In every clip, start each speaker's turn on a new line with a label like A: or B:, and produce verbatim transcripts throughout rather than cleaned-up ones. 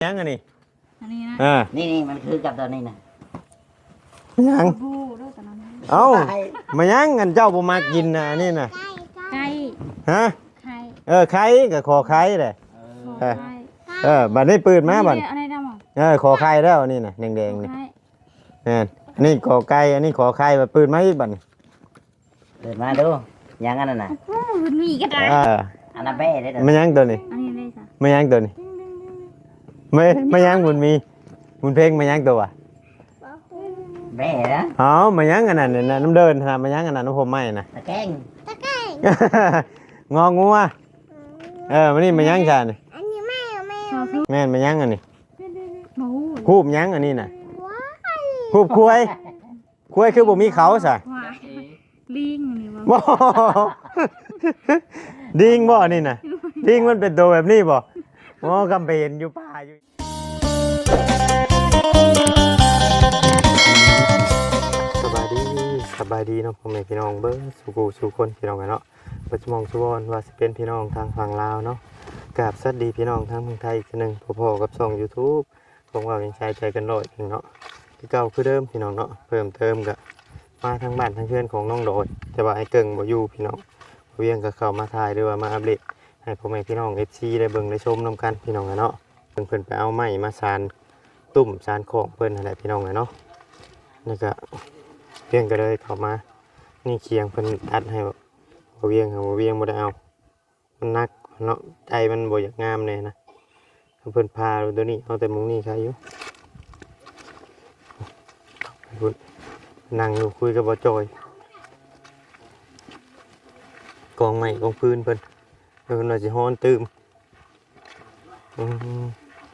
A: ยังอันนี้
B: อันนี้นะ
A: อ่า
C: นี่นี่มันคือกับตัวนี้นะ
A: ยังเอ้ามายังอันเจ้าบ่มากินนะอันนี้น่ะ
B: ไก่
A: ฮะ
B: ไข่
A: เออไข่ก็ขอไข่แหละเออ
B: ไข่
A: เออบัดนี้ปืนมาบัด
B: อะไรดำอ่ะ
A: เออขอไข่แล้วนี่น่ะแดงๆนี่แม่นอันนี้ขอไก่อันนี้ขอไข่บัดปืนมาอีกบัด
C: เดินมาดูยังอันนั้นน่ะ
B: โอ้มันมีก็ได้
A: เออ
C: อันนั้นเบ้ได้เด้อ
A: มันยังตัวนี้
B: อันนี้ได้จ้ะ
A: มันยังตัวนี้ไม่ไม่ยังบุญมีบุญเพ่งมันยังตัว
C: เบ้นะ
A: อ๋อมันยังอันนั้นน่ะน้ำเดินนะมันยังอันนั้นน้ำผมไม่นะ
C: ตะแกง
A: งองัวเออมันนี่มันยังชานี่
D: อันนี้ไม่เอาไม่
B: ชอ
D: เอา
B: บทุก
A: แม่นมันยังอันนี้
B: หมู
A: คูบยังอันนี้น่ะ
D: ว้าย
A: คูบคุยคุยคือบ่มีเขาซะ
B: ควายลิงนี่วะ
A: บ่ดิงบ่นี่น่ะดิงมันเป็นตัวแบบนี้บ่อ๋อกำไปเห็นอยู่ป่าอยู่สบายดีสบายดีเนาะพ่อแม่พี่น้องเบิ่งสู่กูสู่คนพี่น้องกันเนาะปัจจุบันสุวรรณว่าสิเป็นพี่น้องทางฝั่งลาวเนาะกราบสวัสดีพี่น้องทางเมืองไทยอีกทีนึงพอๆกับช่อง YouTube ของว่าเป็นชายใจกันร้อยพี่เนาะที่เก่าคือเดิมพี่น้องเนาะเพิ่มเติมก็มาทางบ้านทางเพื่อนของน้องโดดแต่ว่าไอ้เกิ่งบ่อยู่พี่น้องบ่เวียงก็เข้ามาถ่ายหรือว่ามาอัปเดตให้พ่อแม่พี่น้อง เอฟ ซี ได้เบิ่งได้ชมนํกันพี่น้องกันเนาะเพิ่นเพิ่นไปเอาไม้มาสานตุ่มสานของเพิ่นนั่นแหละพี่น้องกันเนาะนี่ก็เพียงก็เลยเข้ามานี่เคียงเพิ่นอัดให้บ่บ่เวียงค่ะบ่เวียงบ่ได้เอามันหนักเนาะใจมันบ่อยากงามแน่นะเพิ่นพาตัวนี้เอาแต่มุงนี้ใครอยู่พุ่นนั่งอยู่คุยกับบ่จอยกองไม้กองพื้นเพิ่นเพิ่นว่าสิฮ้อนตื่มอืม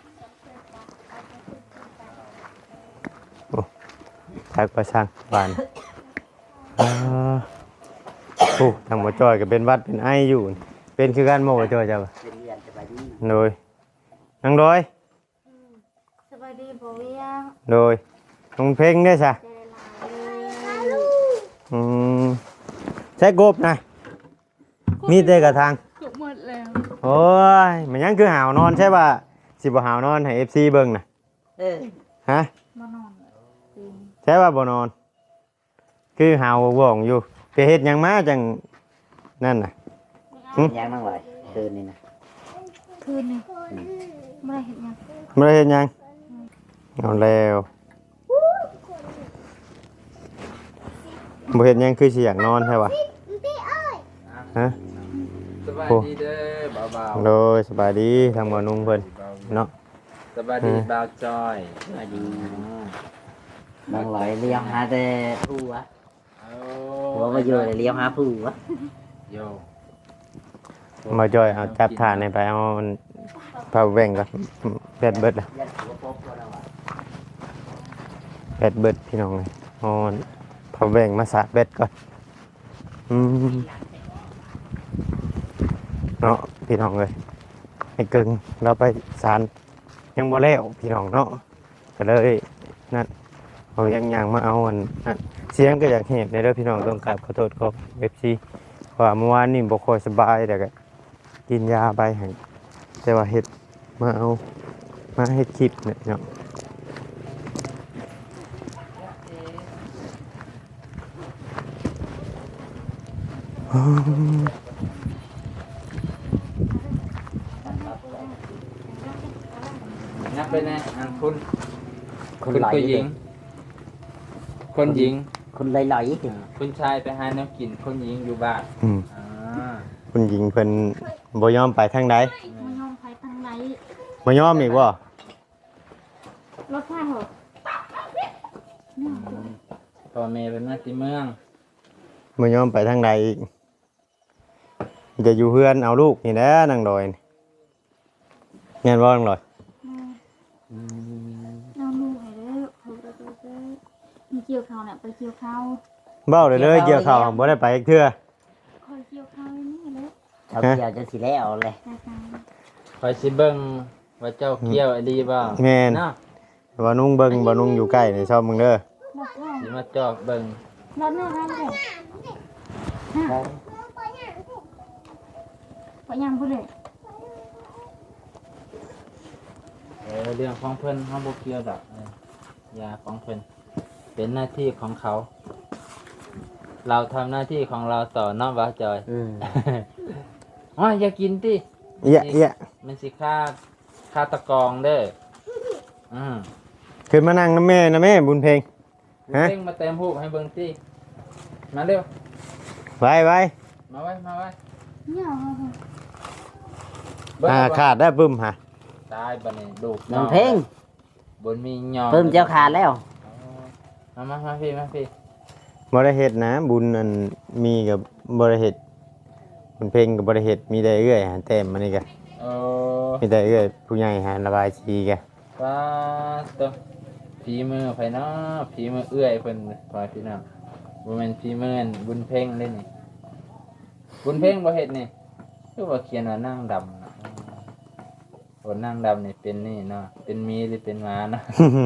A: โอ้ทักประชังบ้านอ่าโอ้ทางบ่จอยก็เป็นวัดเป็นไออยู่เป็นคือกันบ่บ่จอยจ้ะบ่
C: เป็นเรียนสบายดี
A: โดยนั่งโดย
B: สบายดีบ่เวียง
A: โดยน้องเพ่งได้ซะ
B: ใจลายเลย
A: อืมใช้กบนะมีแต่กระทาง
B: เกือบหมดแล้ว
A: โอ้ยมันยังคือหาวนอนใช่ป่ะสิบ่หาวนอนให้ เอฟ ซี เบิ่งน่ะ
C: เออ
A: ฮะ
B: มานอนจริง
A: ใช่ป่ะบ่นอน คือหาวว่องอยู่ไปเฮ็ดหยังมาจังนั่นน่ะ หึ
C: ยังนั่งไหวคืนนี่นะ
B: คืนนี้ไม่ได้เห็นยัง
A: บ่ได้เฮ็ดหยังเอาแล้วบ่เฮ็ดหยังคือสิอยากนอนใช่ป่ะฮะ
E: สบายดีเด้อเบา
A: โดยสบายดีทางบ่นุ่งเพิ่นเนาะ
E: ๆสบายดีเบาจอย
C: สบายดีนั่งไหวเลี้ยวหาแต่ผู้วะ
E: เอา
C: หัวมาอยู่เลยเลี้ยวหาผู้วะ
E: โย
A: มาจ่อยเอาจับฐานให้ไปเอามันพาแว่งก่อนแบตเบิดละ
C: ยัดหัวโป๊กก็แล้ววะ
A: แบตเบิดพี่น้องเลยเอาพาแว่งมาสาดแบตก่อนอืมเนาะพี่น้องเลยไอ้กึ่งเราไปสารยังบ่แล้วพี่น้องเนาะก็เลยนั่นเอายังยังมาเอาอันนั่นเสียงก็อยากเห็นในเด้อพี่น้องต้องกราบขอโทษขอเอฟซีว่าเมื่อวานนี่บ่ค่อยสบายแต่ก็กินยาไปให้แต่ว่าเฮ็ดมาเอามาเฮ็ดคลิปเนี่ยเนาะ
E: นับไปนะอันคุณ
C: ค
E: คุ
C: น
E: ณ
C: ไหล
E: ผู้หญิง คนหญิง
C: คนไหลๆ
E: อ่าคุณชายไปหาแนวกินคนหญิงอยู่บ้าน
A: อืม
E: อ่า
A: คุณหญิงเพิ่นบ่ยอมไปทางใด
B: มันยอมไปทางไหน
A: บ่ยอมอีกบ่
B: รถไฟเหรอ
E: พ่อแม่เป็นมาติเมือง
A: บ่ยอมไปทางใดอีกจะอยู่เฮือนเอาลูกนี่แหละนางดอยนี่แม่นบ่นางดอย
B: เอาลูกให้เด้อเขาจะไปเด้อมีเกี่ยวข้าวเนี่ยไปเกี่ยวข้าว
A: เบ้าเลยเลยเกี่ยวข้าวบ่ได้ไปอีกเทื่อ
B: คอยเกี่ยวข้าวนี่เลย
C: เขาเกี่ยวจะสิแล้วเลย
B: ตาตา
E: คอยสิเบิ่งว่าเจ้าเกี้ยวอดีบ่
A: แม่น
E: เนาะ
A: บ่นุ่งเบิ่งบ่นุ่งอยู่ใกล้นี่ชอบมึงเด้อ
B: รถว่า
E: สิมาจอกเบิ่ง
B: รถเนี่ยครับเลยไปยังพูดเลย
E: เออเรื่องของเพิ่นเฮาบ่เกี่ยวดอกเออยาของเพิ่นเป็นหน้าที่ของเขา เราทำหน้าที่ของเราต่อเนาะบ่าวจอย
C: อืม
E: อ๋ออย่ากินติ
A: เอี้ยเอี้ย
E: มันสิฆ่าฆ่าตะกองเด้ออืม
A: ขึ้นมานั่งน้ำแม่นะแม่บุญเพลง ฮะ
E: เร่งมาเต็มหูปให้เบิ่งติมาเร็ว
A: ไว้ไว้
E: มาไว้มาไว้
B: เนี่ยเหรอ
E: เบิ่ง
A: อ่า
E: เอาบ่
A: ขาดได้ปึ้มฮะ
E: ตายบัดนี้ลูก
C: น้องเพ่ง
E: บนมีหยอง
C: เพิ่มเจ้าขาดแล้ว
E: มามามาพี่มาพี่
A: บริเหตุนะบุญอันมีกับบริเหตุบุญเพลงกับบริเหตุมีได้เอื้อยหาแต้มมานี่กะ
E: เออ
A: มีได้เอื้อยผู้ใหญ่หาระบายสีกะ
E: ป้าตัวฝีมือไผเนาะฝีมือเอื้อยเพิ่นพอพี่น้องบ่แม่นฝีมืออันบุญเพ่งเด้นี่บุญเพ่งบ่เฮ็ดนี่คือว่าเขียนว่านางดำน่ะโอ้นางดำนี่เป็นนี่เนาะเป็นหมีหรือเป็นหมาเนาะ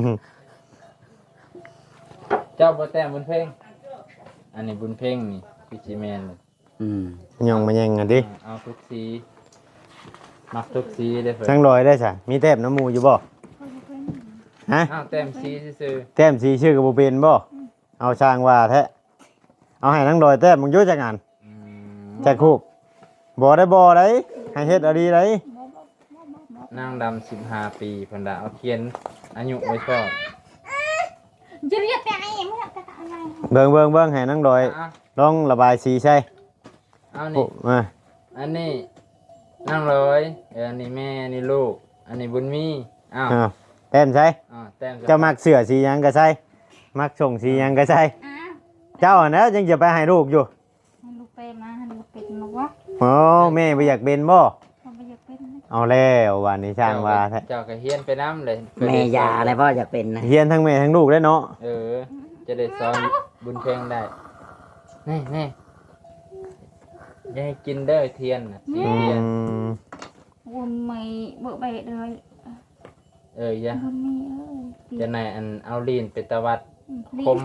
E: เจ้าบ่แต่งบุญเพ่งอันนี้บุญเพ่งนี่พี่สิแม่นเลย
C: อืม
A: ย่องมาแย่งกันดิ
E: เอาทุกสีมักทุกสีได้เพิ่น
A: ช่างลอยได้จ้ะมีแต้มน้ำมูอยู่บ่
B: เขาจะเป็น
A: ฮะ
E: อ้าวแต้มสีซื่อ
A: แต้มสีชื่อกับโบเป็นบ่เอาช่างว่าแท้เอาให้ทั้งดอยแต้มมึงอยุ่จักงาน
E: ๆอืม
A: จักคูกบ่ได้บ่ได้ให้เฮ็ดเอาดีได้
E: นางดำสิบห้าปีเพิ่นดาเอาเขียนอายุไว้ชอบ
B: จะเรียกแต่ไอ้ไม่อยากแต่อะไร
A: เบิ่งเบิ่งเบิ่งให้ทั้งดอย
E: อ่ะ
A: ลองระบายสีใช่
E: เอา
A: โอ้
E: นี่
A: มา
E: อันนี้นางร้อยเอออันนี้แม่อันนี้ลูก อันนี้บุญมีอ้าว
A: อ้าวแต้มใช่
E: อ้าวแต้ม
A: เจ้ามักเสื้อสีหยังก็ใช่มักส่งสีหยังก็ใช่
B: อ้าว
A: เจ้าอันนั้นยังจะไปให้ลูกอยู่
B: ให้ลูกเป็นมาให้ลูกเป็นมาว่า
A: โอ้แม่บ่อยากเป็นบ่
B: เขาไม่อยากเป็นนะ
A: เอาแล้ววันนี้ช่างว่าแท้
E: เจ้าก็เฮียนไปน้ำเลย
C: แม่ยาอะไรพ่ออยากเป็นนะ
A: เฮียนทั้งแม่ทั้งลูกได้เนาะ
E: เออ จะได้สอนบุญเพ่งได้นี่นี่อย่าให้กินเด้อเทียนน่ะสี
A: อื
E: เทียน
A: ม
B: วนไม่เบื่อเบะเลย
E: เอออย่า
B: วนไม่เอ้ย
E: จะไหนอันเอาลีนไปตะวัดคม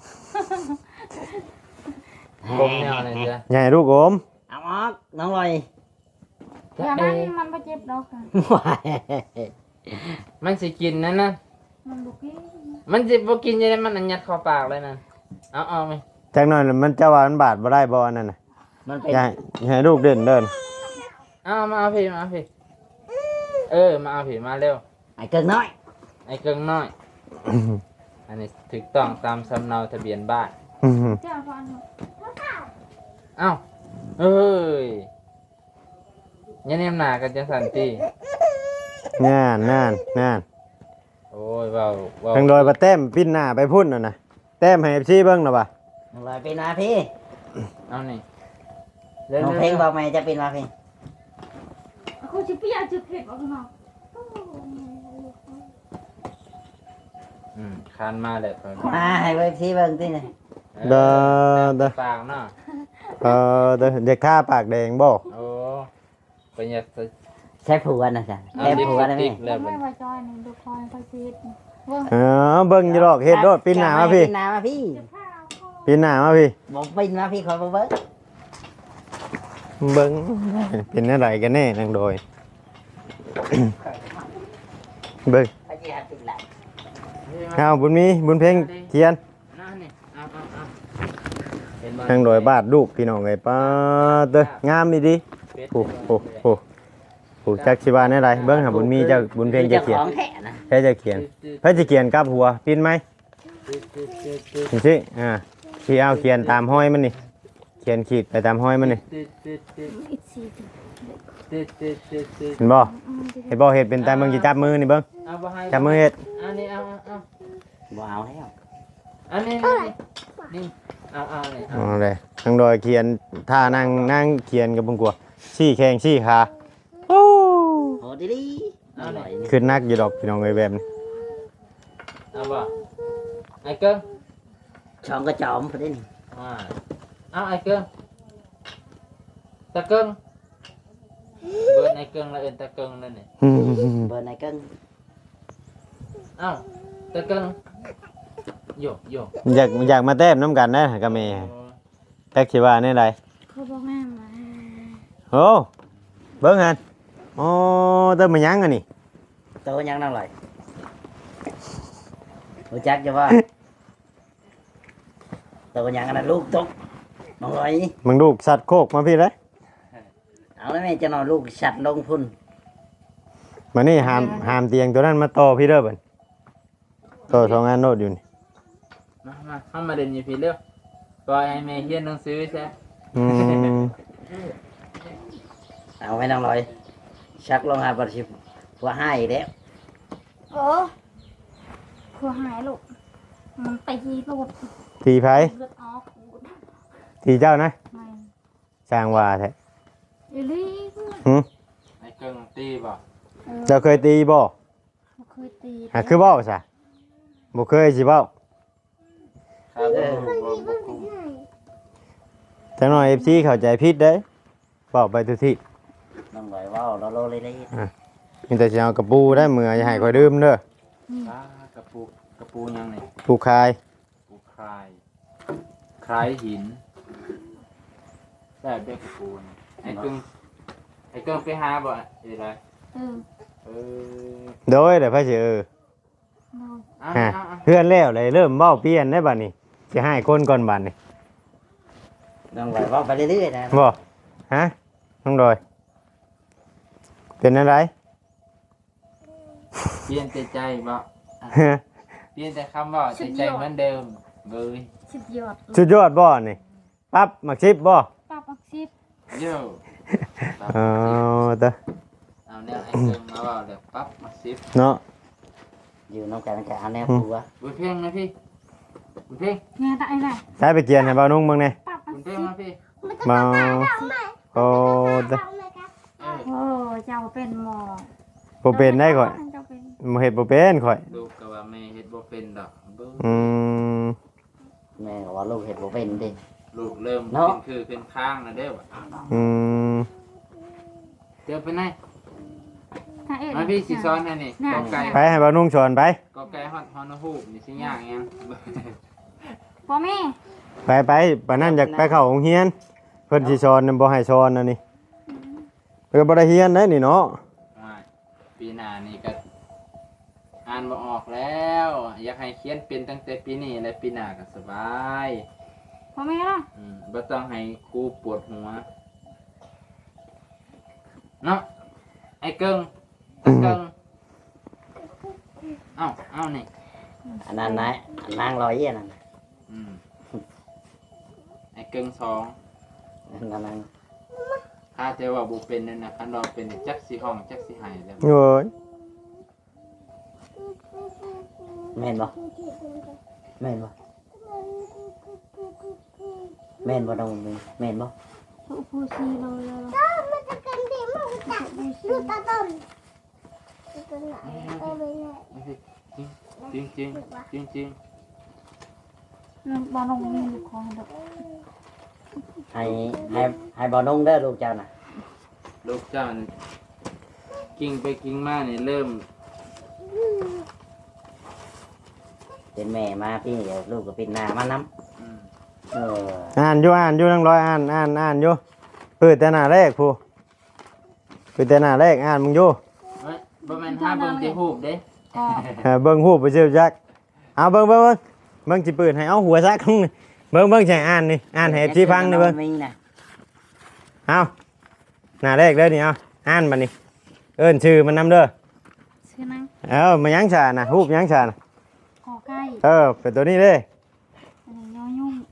E: คมแนวอะไรจ้ะ
A: ใหญ่ลูกโอม
C: เอาออกน้องลอย
B: อย่า
E: เอ
B: มัน
E: อ
B: มันไม่เจ็บดอกค่ะ
C: ว้าย
E: มันสิกินนั่นนะ
B: มันบุกี้
E: มันสิบ่กินยังไงมันอันยัดเข้าปากเลยนะเอาเอาไหม
A: จักหน่อยมันจะว่ามันบาดบ่ได้บ่อันนั่นน่ะ
C: มันเป็น
A: อย่าให้อย่าให้ลูกเดินเดิน
E: เอามาเอาพี่มาเอาพี่เออมาเอาพี่มาเร็ว
C: ไอ้เกิงน้อย
E: ไอ้เกิงน้อย อันนี้ถูกต้องตามสำเนาทะเบียนบ้าน
B: เจ้าฟัน
E: เอ้าเอ้ยอยันเนมหนากันจังสันติ
A: งานงานงาน
E: โอ้ยเว้าเว้า
A: ทางโดยประแต้มปิ้นหน้าไปพุ่นน่ะนะแต้มให้ เอฟ ซี เบิ่งน่ะบ่ะ
C: น้องลอยเป็นมาพี่
E: เอานี่เร็ว
C: น้อง
E: ๆ
C: เพลงบอกไหมจะเป็นมาพี่
B: เขาจะเปียกจะเผ็ดออกมา
E: อืมคานมาเลยก่อน
C: มาให้เว็บซีเบิ่งที่ไหน
A: เด้อเด้อ
E: ปากเนาะ
A: เออเด้อเด็กข้าปากแดงบ่
E: โอ้เป็นอยากจะ
C: ใช้ผัวนะจ๊ะ
E: เอา
C: แก้
E: ลิป
C: ผัว
E: ส
C: ได้ไหม
E: ติกแล้ว
B: ไม่
E: เป็น
B: มาจอยนี่ดูคอยคอยซีดว่า
A: เออเบิ่งอยู่ดอกเฮ็ดโดดปิ้นหน้ามาพี่
C: ปิ้นหน้ามาพี่
B: ข้าวเขา
A: ปิ้นหน้ามาพี่
C: บอกปิ้นมาพี่คอยมาเบิ่ง
A: เบิ่งเป็นอะไรกันแน่ทางโดย เบิ่ง
C: ไปจีหาติดแหละ
A: เอาบุญมีบุญเพ่งเทียน
E: นั่นนี่เอาเอาเอาเห็นบ่
A: ทางโดยบาดลูกพี่น้องเอ้ยป้าเด้องามดีดิ
E: เป็ด
A: โอ้โอ้โอ้โอ้จักสิว่าแน่ใดเบิ่งหาบุญมีเจ้าบุญเพ่งจะเขียน
C: ของแท้นะ
A: แค่จะเขียนเพิ่นจะเขียนกับหัวปิ้นไหม
E: ตึ๊ดตึ๊ดตึ๊ดตึ๊ด
A: จริงๆอ่าที่เอาเขียนตามห้อยมันนี่เขียนขีดไปตามห้อยมันนี่
E: ตึ๊ดตึ๊ดตึ๊ด
B: อีกซีด
E: ตึ๊ดตึ๊ดตึ๊ดตึ๊ด
A: เห็นบ่เห็นบ่เฮ็ดเป็นตามเบิ่งสิจับมือนี่เบิ่ง
E: เอาบ่ให้
A: จับมือเฮ็ด
E: อันนี้เอาเอาเอา
C: บ่เอาแล้ว
E: อันนี้นี่นี่เอาเอานี่เอา
A: อ๋อเลยทางดอยเขียนท่านั่งนั่งเขียนกับเบิ่งกลัวชี้แข้งชี้ขาโอ้
C: โหดีดีอร่อยนี่
A: ขึ้นนักอยู่ดอกพี่น้องเอ้ยแบบนี้
E: เอาบ่ไอ้เกิ้ง
C: ช่องกระจอมพอดีนี่
E: อ่าเอาไอ้เกิ้งตะเกิ้งเบิร์นไอ้เกิ้งแล้วเอิ้นตะเกิ้งนั่นนี่
C: เบอร์ไหนเกิง
E: เอ้าตะเกิ้งโยกโยก
A: อยากอยากมาแต้มน้ำกันนะกับแม่แท็กสิว่าแน่ใด
B: เขาบอกแม่มา
A: โอ้เบิ่งหั่นอ๋อเติมมายังอันนี้
C: ตัวยังนั่งเลยรู้จักจะว่าตัวยังอันนั้นลูกตกน้องลอย
A: มึงลูกสัตว์โคกมาพี่เลย
C: เอาแล้วแม่จะนอนลูกชัดลงพุ่น
A: มานี่หามหามเตียงตัวนั้นมาต่อพี่เด้อบัดต่อสองงานโนดอยู่นี่
E: มามาเข้ามาเด่นอยู่พี่เร็วปล่อยให้แม่เฮียนหนังสือใช่
A: อืม
C: เอาไว้น้องลอยชักลงหาปฏิบัติว่าให้อีกแล้ว
B: โอ้ครัวหายลูกมันตีลูก
A: ทีไผ
B: เลือดออก
A: ทีเจ้านะ
B: ไม่
A: สร้างว่าแท้
B: อีลี่
A: หึ
E: ไอ้เกิงตีบ่
B: เออ
A: เจ้าเคยตีบ่
B: บ่เคยตี
A: หาคือเบ้าซะบ่เคยสิเบ้า
E: ครับบ่บ่บ่คุ้ม
A: จังหน่อย เอฟ ซี เข้าใจผิดเด้เว้าไปทุกที่
C: น้องลอยว่าเราโลเลยเลย
A: มีแต่สิเอากระปูได้มื้ออย่าให้ข่อยดื่มเด้อ
E: อ่ากระปูกระปูยังนี่
A: ปูคาย
E: ปูคลายคล้ายหินแบบเด็กกระปูนี่ไอ้เกิงไอ้เกิงไปหาบ่เอ้ยไร
B: เออ
E: เออ
A: โดยเดี๋ยวพระสิเออ
B: โดน
E: อ่ะ
A: ฮะ
E: อ่ะอ่ะ
A: เพื่อนแล้วเลยเริ่มเว้าเปลี่ยนได้บัดนี้สิให้คนก่อนบัดนี้
C: น้องลอยว่าไปเรื่อยๆนะ
A: บ่ฮะน้องดอย เป็นอะไร
E: เปลี่ยนแต่ใจบ่เปลี่ยนแต่คำว่าแต่ใจเหมือนเดิมเบย
B: สุดยอด
A: สุดยอดบ่นี่ปั๊บมักชิบบ่
B: ป้าปักซิบ
E: โย่
A: เอาเตอะ
E: เอาแนวไอ้เกิงมาเว่าเดี๋ยวปั๊บมาซิฟ
A: เนาะ
C: อยู่น้องกันกันเอาแนวผัว
E: บุญเพ่งนะพี่บุญเพ่ง
B: งานได้ไหน
A: ใช้ไปเกียนให้บ่าวนุ่งเบิ่งแหน่
B: ป้าปั
E: บุ
B: ก
E: ญเพ่
B: ซิ
E: ง
B: บ
E: นะพี่
A: บ่โอ้เตอะ
E: เออ
B: โอ้เจ้าเป็นหมอ
A: บ่เป็นได้ข่อย
B: เจ้าเป็น
A: บ่เฮ็ดบ่เป็นข่อย
E: ลูกก็ว่าแม่เฮ็ดบ่เป็นดอกเบิ่ง
A: อืม
C: แม่ก็ว่าลูกเห็ดบ่เป็นดิ
E: ลูกเริ่ม
C: เนาะ
E: ขึ้นคือขึ้นข้างนะเด้อว่ะ
A: อืม
E: เดี๋ยวไปไหน
B: ถ้าเอ็ด
E: มาพี่สิซ้อนให้นี่กอไก่
A: ไปให้บ่าวนุ่งสอนไป
E: กอไก่ฮอดฮอนฮูกนี่สิยากยัง
B: พ่อแม่
A: ไปไปปานนั้นอยากไปเข้าโรงเรียน เพิ่นสิสอนน่ะบ่ให้สอนอันนี้เพิ่นก็บ่ได้เรียนเด้นี่เนาะ
E: ว่าปีหน้านี่ก็อ่านบ่ออกแล้ว อยากให้เขียนเป็นตั้งแต่ปีนี้และปีหน้าก็สบาย
B: พ่อแม่ล่ะ
E: อืมบ่ต้องให้ครูปวดหัวเนาะไอ้เกิงไอ้เกิงเอ้าเอ้านี่
C: อันนั้นนะอันนางลอยอันนั้น
E: อืมไอ้เกิงสอง
C: อันนั้น
E: ถ้าจะว่าบ่เป็นนั่นน่ะคันว่าเป็นจักสิห้องจักสิให้แล้ว
A: โอ้ย
C: แม่นบ่แม่นบ่แม่นบ่น้องแม่นบ่
B: สุภูซีเลยเลย
D: มันจะกันดีมากจังดูตาต้นตัวไหนเออไม่ใช่
E: จริงจริงจริงจริง
B: น้องบอลลงมีลูกคอดอก
C: ให้ให้ให้บ่นุ่งเด้อลูกเจ้าน่ะ
E: ลูกเจ้านี่กิ้งไปกิ้งมานี่เริ่ม
C: เป็นแม่มาพี่เดี๋ยวลูกก็เป็นหน้ามานํ
E: อืม
C: เออ
A: อ่านอยู่อ่านอยู่นั่งร้อยอ่านอ่านอ่านอยู่เปิดแต่หน้าแรกผู้เปิดแต่หน้าแรกอ่านมึงอยู่
E: เฮ้ยบ่แม่นหาเบิ่งที่รูปเด้
B: ก็
A: เออเบิ่งหูปไปเชียวจักเอาเบิ่งเบิ่งเบิ่งเบิ่งสิเปิดให้เอาหัวซักนี่เบิ่งเบิ่งใช่อ่านนี่อ่านให้สิฟังนี่เบิ่ง
C: มีน่ะ
A: เอาหน้าแรกเด้อนี่เอาอ่านบัดนี้ เอิ้นชื่อมันนำเด้อ
B: ชื่อนัง
A: เอ้ามายังชาน่ะรูปยังชาน่ะ
B: ขอไก่
A: เออเป็นตัวนี้เด้
B: อันนี้ยอยุ่ง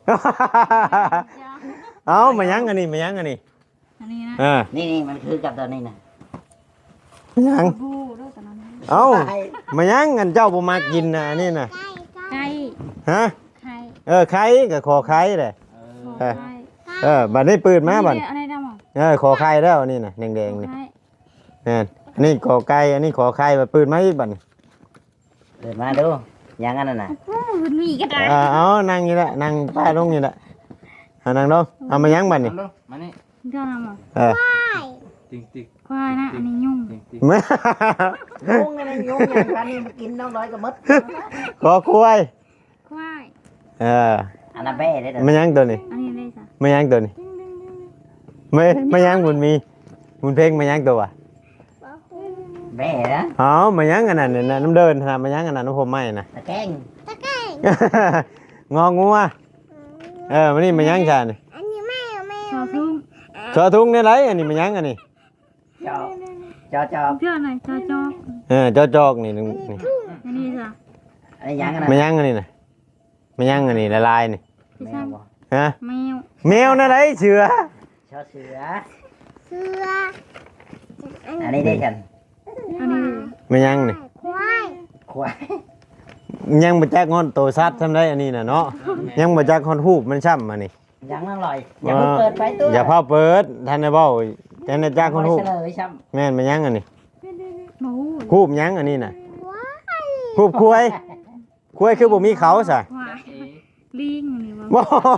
A: เอามายังอันนี้มายังอันนี้
B: อันนี้นะ
A: เออ
C: นี่นี่มันคือกับตัวนี้น่ะ
A: มายัง
B: บูด้วยแต่นั้น
A: เอามายังอันเจ้าบ่มากินน่ะอันนี้น่ะ
B: ไก่
A: ฮะ
B: ไข่
A: เออไข่ก็ขอไข่เด้
E: เออ
B: ขอไก่
A: เออบัดนี้เปิดมาบัด
B: อะไรดำอ่ะ
A: เออขอไข่แล้วนี่น่ะแดงๆนี่
B: ไข่
A: นั่นอันนี้ขอไก่อันนี้ขอไข่บัดเปิดมาอีกบัดนี้
C: เดินมาดูยังอันนั้นน่ะ
B: โอ้มันมีก็ได้
A: เออเอานั่งนี่แหละนั่งป้ายลงนี่แหละเอานั่งลงเอามายังบัดนี่
E: เอาลูกมานี่
B: เจ้าดำอ่ะ
A: เออ
E: ติ๊งติ๊ง
B: ควายนะอันนี้ยุ่ง
E: ติ๊งติ๊ง
A: มา
C: ยุงอะไรยุงอย่างกันนี่กินน้องน้อยก็มด
A: ขอคุย
B: ควาย
A: เออ
C: อันนั้นแบ้ได้เด้อ
A: มายังตัวนี้
B: อันนี้เลยจ้ะ
A: มายังตัวนี้ไม่ไม่ยังบุญมีบุญเพ่งมายังตัววะ
C: แม่นะ
A: เอามายังอันนั้นเนี่ยนะน้ำเดินนะมายังอันนั้นน้ำผมไม่นะ
C: ตะแกรง
D: ตะแกรง
A: งองัวเออมันนี่มายังชานี่
D: อันนี้ไม่เอาไม่
B: ชอ
D: เอา
B: ทุ่ง
A: ชอทุ่งนี่ไรอันนี้มายังอันนี้
C: จอบจอบจอบ
B: เพื่อนไหนชอจอก
A: เออจอจอกนี่นึงนี่
B: อันนี้จ้ะ
C: อันนี้ยังกันนะ
A: มายังอันนี้นะมายังอันนี้ละลายนี่
B: พี่
C: แม
B: ช่าง
C: วบ่
A: ฮะ
B: แมว
A: แมวนั่นไรเสือ
C: ชอบเสือ
D: เสือ
C: อันนี้ได้ฉัน
B: อันนี้
A: มายังนี่
D: ควาย
C: ควาย
A: ยังมาจักงอนโตซัดทำได้อันนี้น่ะเนาะยังมาจักฮอนฮูบมันช่ำมานี่
C: ยังนั่งลอยอย่าเพิ่งเปิดไฟตัว
A: อย่าพาเปิดท่านได้เบ้าท่านได้จักฮอนฮูบ
C: เฉลยช้ำ
A: แม่นมายังอันนี้
B: หมู
A: ฮูบยังอันนี้น่ะ
D: ควาย
A: ฮูบคุยคุยคือบ่มีเขาซะ
B: ควายลิงนี่วะ
A: บ่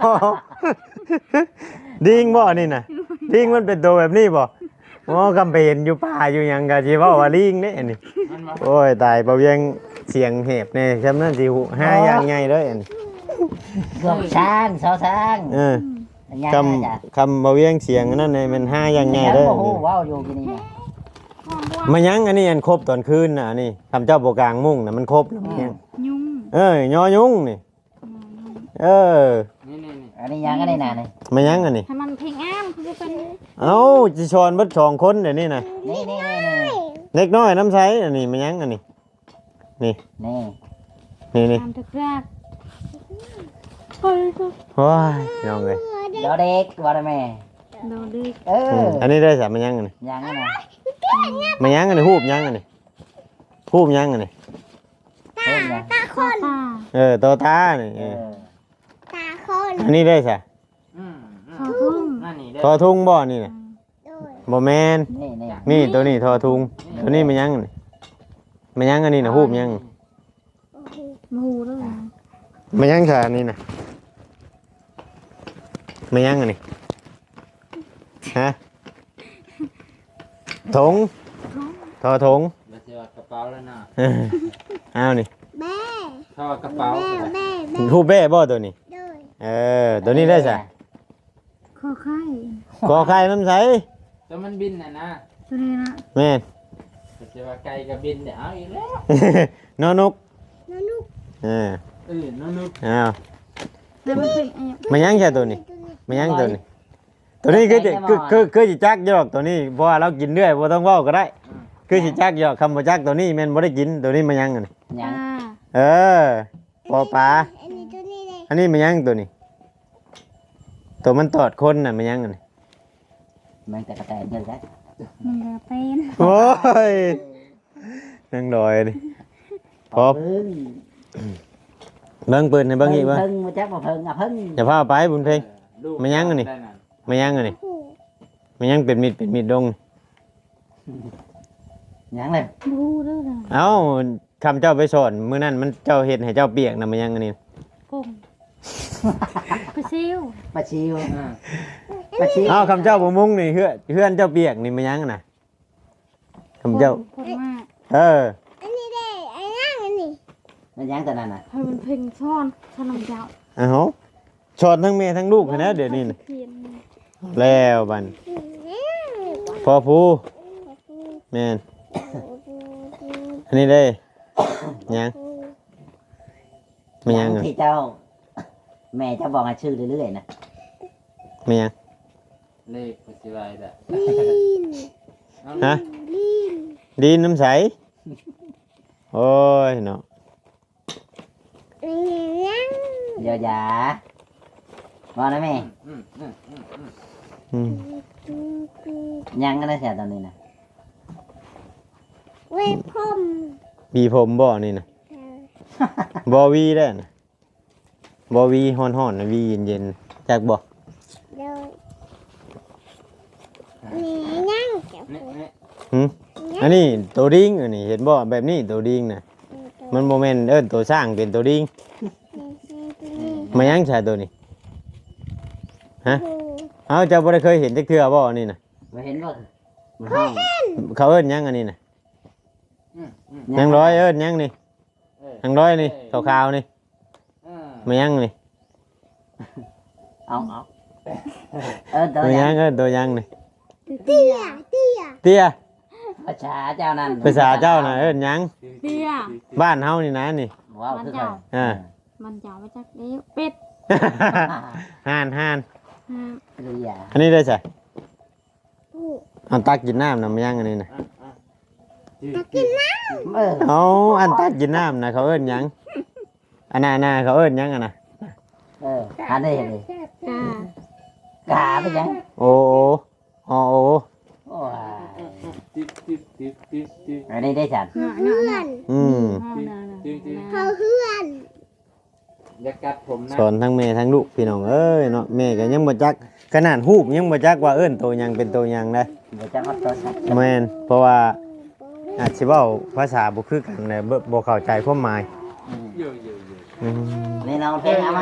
A: ดิงบ่นี่น่ะดิงมันเป็นตัวแบบนี้บ่อ๋อกำไปเห็นอยู่ป่าอยู่หยังก็สิเว้าว่าลิงเด้อันนี้
E: มันมา
A: โอ้ยตายบ่เวียงเสียงเห็บแน่ซำนั้นสิหูหาอย่างใหญ่เด้ออันนี้
C: เกือบช้างเสาช้าง
A: เออ
C: ยัง
A: ค
C: นะจ๊ะ
A: ำคำบ่เวียงเสียงอันนั้นนี่มันหาอย่างใหญ่
C: ยัง
A: เด้อ
C: โอ้
A: อัน
C: โห
A: นี้
C: ว้าวอยู่กินนี่นะ
A: มายังอันนี้อันครบตอนคืนน่ะอันนี้คำเจ้าบ่กลางมุ้งน่ะมันครบแล้วมันยัง
B: ยุง
A: เอ้ยยอยุงนี่เออ
E: นี่นี่นี่
C: อันนี้ยังกันได้นานเลย
A: มายังอันนี้
B: ให้มันเพลงอ้ามคือเป็น
A: เอ้าจิชอนเบิดสองคนเดี๋ยวนี้น่ะ
C: นี่นี่นี่นี่
A: เล็กน้อยน้ำใสอันนี้มายังอันนี้
C: นี่
A: นี่นี่
B: ตามตะกร้าเฮ้ย
A: โอ้ยน้องเอ้ย
C: เดี๋ยวเด็กว่าได้แม่
B: โดนดึก
C: เอ
A: อื
C: อ
A: มอันนี้ได้สามมายังอันนี้
C: ยังกันนะ
A: มายังอันนี้ฮูบยังอันนี้ฮูบยังอันนี้
C: เพิ่มยัง
D: ตาค
B: ตาน ตา
A: เออตัวตานี่
C: เอ
A: เออ
C: อ
D: ตาคน
A: อันนี้ได้สะ
E: อืมอื
B: ช
E: ม
B: อทุ่ง
E: นั่นนี่เด้
A: ทอทุงบ่นี่น่ะ
D: โดย
A: บ่แมน
C: นี่นี่
A: นี่ตัวนี้ทอทุงตัวนี้มายังอันนี้มายังอันนี้น่ะฮูบยัง
D: โอ้โห
B: หมูด้วย
A: มายังค่ะอันนี้น่ะมายังอันนี้ฮะถงทอถง
E: บ่ใช่ว่ากระเป๋าแล้วนะ
A: เออเอานี่
D: แม่
E: ถ้าว่ากระเป๋า
D: แม่
E: ก็ได้
D: แม่แม่
A: ฮูบแบ้บ่ตัวนี้
D: โดย
A: เออตัวนี้ได้สะ
B: คอไข่
A: กอไข่น้ำใส
E: แต่มันบินน่ะนะ
B: ตัวนี้นะ
A: แม่น
E: บ่ใช่ว่าไก่ก็บินเดี๋ยวเอาอีกแล้ว
A: นอนก
D: น้องนุ๊ก
A: เออ
E: เออน้องนุ๊ก
A: เอา
B: แล้วมันเป็นอะไร
A: มายังแค่ตัวนี้มายังตัวนี้ ตัวนี้คือจะคือคือคือสิจักยอกตัวนี้เพราะว่าเรากินเรื่อยบ่ต้องเว้าก็ได้ คือสิจักยอกคำบ่จักตัวนี้แม่นบ่ได้กินตัวนี้มายังอันนี้
C: ยัง
B: อ่า
A: เออปอปลา
D: อันนี้ตัวนี้เลย
A: อันนี้มายังตัวนี้ ตัวมันตอดคนน่ะมายังอันนี้
C: มันแต่กระแตเยอะแล้ว
B: มันจะเป็น
A: โอ้ยนั่งดอยนี่พอ
C: เพิ่ง
A: เบิ่งปืนให้เบิ่งอีกเบิ่ง
C: เพิ่งมาจักมาเพิ่งอ่ะเพิ่ง
A: อย่าพาไปบุญเพ็ง
E: ลูก
A: มายังอันนี้
E: ได้นั่น
A: มายังอันนี้
D: โอ้โห
A: มายังเป็นมิดเป็นมิดดง
C: ยังเลย
B: หมูด้วยนะ
A: เอ้าคำเจ้าไปสอนมื้อนั้นมันเจ้าเฮ็ดให้เจ้าเปียกน่ะมายังอันนี้
B: กุ้งกระซิว
C: ปลาชิว
E: อ่า
C: ปลาชิว
A: เอ้าคำเจ้าบ่มุงนี่เฮือนเฮือนเจ้าเปียกนี่มายังน่ะคำเจ้า
B: ผลมาก
A: เออ
D: อันนี้ได้อันนั้นอันนี้
C: มันยังตัวนั้นน่ะ
B: ให้มันเพลงซ่อนขนมเจ้า
A: เอ้าสอนทั้งแม่ทั้งลูกให้นะเดี๋ยวนี้น่ะ
B: เขียน
A: แล้วบัด
D: อืม
A: พอผู้แม่นอันนี้ได้ยังมายังอัน
C: ที่เจ้า แม่เจ้าบอกให้ชื่อเรื่อยๆนะ
A: มายัง
E: เลขบ่สิว่าได้
D: ลีน
E: เอา
A: ฮะ
D: ลีน
A: ดินน้ำใสโอ้ยเนาะ
D: อันนี้ยัง
C: เดี๋ยวอย่าว่านะแม่
E: อืมอืมอืมอืม
A: อืม
D: อืมอืม
C: ยังก็ได้เสียตอนนี้นะ
D: เวทพรม
A: บีผมบ่นี่นะ
D: เออบ
A: อวีได้นะบอวีฮ้อนๆนะวีเย็นๆจากบ่
D: เดี๋ยวนี่ยังเก็บ
E: นี่นี่
A: หึอันนี้ตัวดิ้งอันนี้เห็นบ่แบบนี้ตัวดิ้งน่ะมันบ่แม่นเอิ้นตัวสร้างเป็นตัวดิ้งมายังใช่ตัวนี้ฮะเอ้าเจ้าบ่ได้เคยเห็นจักเทื่อบ่อันนี้น่ะ
C: ไม่เห็นว่ามันห้อง
A: เขาเอิ้นหยังอันนี้น่ะ
E: อืมอืม
A: ยังร้อยเอิ้นหยังนี่
E: เออ
A: ยังร้อยนี่ขาวๆนี่
E: อ่า
A: มายังนี่
C: เอาเอาเออตัว
A: มา
C: ยั
A: ยัง งเอิ้นตัวยังนี่
D: เตี้ยเตี้ย
A: เตี้ย
C: ภาษาเจ้านั่น
A: ภาษาเจ้าน่ะเอิ้นหยัง
B: เตี้ย
A: บ้านเฮานี่นะนี่
C: ว้าวคือไง
A: อ่า
B: มันจะเอาไปจากเด็กเป็ด
A: ห่านห่าน
B: ฮะ
C: เรีย
A: อันนี้ได้ใช่อันตักกินน้ำน้ำยังอันนี้นะ
C: เออ
A: เอาอันตักกินน้ำนะเขาเอิ้นหยังอันน่ะน่ะเขาเอิ้นหยังอันน่ะ
C: เอออันนี้นี่
B: กาก
C: าไปยัง
A: โอ้โอ้โอ้โอ้
C: โอ้ย
E: ติ๊บติ๊บติ๊บติ๊บติ๊บ
C: อันนี้ได้ฉัน
B: เนาะเนาะเนาะ
A: อืม
B: ห้องนาน่ะ
D: เขาเพื่อน
E: อย่ากัดผมนะ
A: สอนทั้งแม่ทั้งลูกพี่น้องเอ้ยเนาะแม่ก็ยังบ่จักขนาดฮูบยังบ่จักว่าเอิ้นตัวหยังเป็นตัวหยังได้
C: เดี๋ยวจะมาตัวสัก
A: แม่นเพราะว่าอาจสิเว้าภาษาบ่คือกันเลยบ่บ่เข้าใจความหมาย
E: เยอะเยอะเยอะ
A: อืม
C: นี่เราเพลงอะไร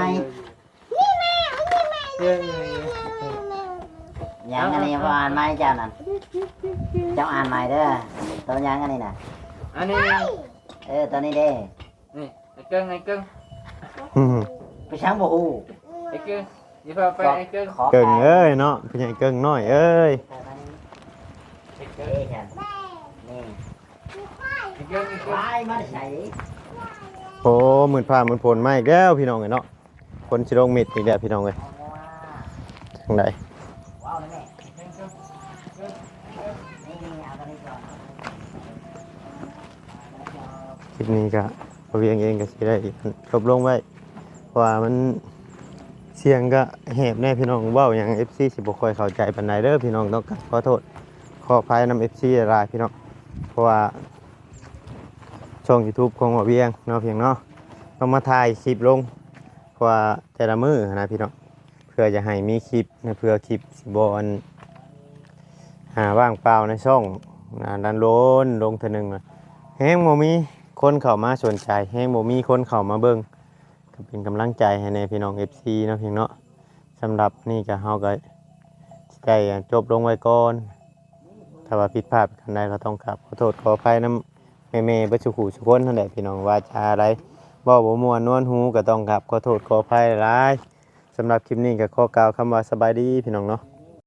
E: เยอะเยอะเยอะ
C: ยังอันนี้ว่าอ่านไหมเจ้านั่นเจ้าอ่านใหม่เด้อตัวยังอันนี้น่ะ
E: อันนี้
C: เออตัวนี้เด้
E: นี่ไอ้เกิ้งไอ้เกิ้ง
A: อืม
C: ไปช้างบ่ฮู้
E: ไอ้เกิ้งอย่าพาไปไอ้เกิ้ง
C: ขอ
A: เก่งเอ้ยเนาะพี่ใหญ่เก่งน้อยเอ้ย
C: ไอ้เกิ้งฉันนี่
E: ไอ้เกิ้งไอ้เกิ้ง
C: วายมาใส่
A: โอ้หมื่นผ้าหมื่นผลมาอีกแล้วพี่น้องเอ้ยเนาะคนสิลงมิดอีกแล้วพี่น้องเอ้ยทางใด
C: ว้าวเลยแม่นี่เอาตัวนี้ก่อน
A: คลิปนี้ก็บ่เวียงเองก็สิได้จบลงไว้เพราะว่ามันเสียงก็แหบแน่พี่น้องเว้าหยัง เอฟ ซี สิบ่ค่อยเข้าใจปานใดเด้อพี่น้องต้องขอโทษขออภัยนำ เอฟ ซี หลายๆพี่น้องเพราะว่าช่อง YouTube ของบ่เวียงเนาะเพียงเนาะต้องมาถ่ายคลิปลงเพราะว่าแต่ละมื้อนะพี่น้องเพื่อจะให้มีคลิปนะเพื่อคลิปสิบ่อันหาว่างเปล่าในช่องนะดันโลนลงเทื่อนึงน่ะแฮงบ่มีคนเข้ามาสนใจแฮงบ่มีคนเข้ามาเบิ่งก็เป็นกำลังใจให้ในพี่น้อง เอฟ ซี เนาะเพียงเนาะสำหรับนี่ก็เฮาก็สิได้จบลงไว้ก่อนถ้าว่าผิดพลาดกันใดก็ต้องกราบขอโทษขออภัยนำแม่ๆบ่สุขุทุกคนนั่นแหละพี่น้องว่าจาอะไรเว้าบ่ม่วนนวลหูก็ต้องกราบขอโทษขออภัยหลายสำหรับคลิปนี้ก็ขอกล่าวคำว่าสบายดีพี่น้องเนาะ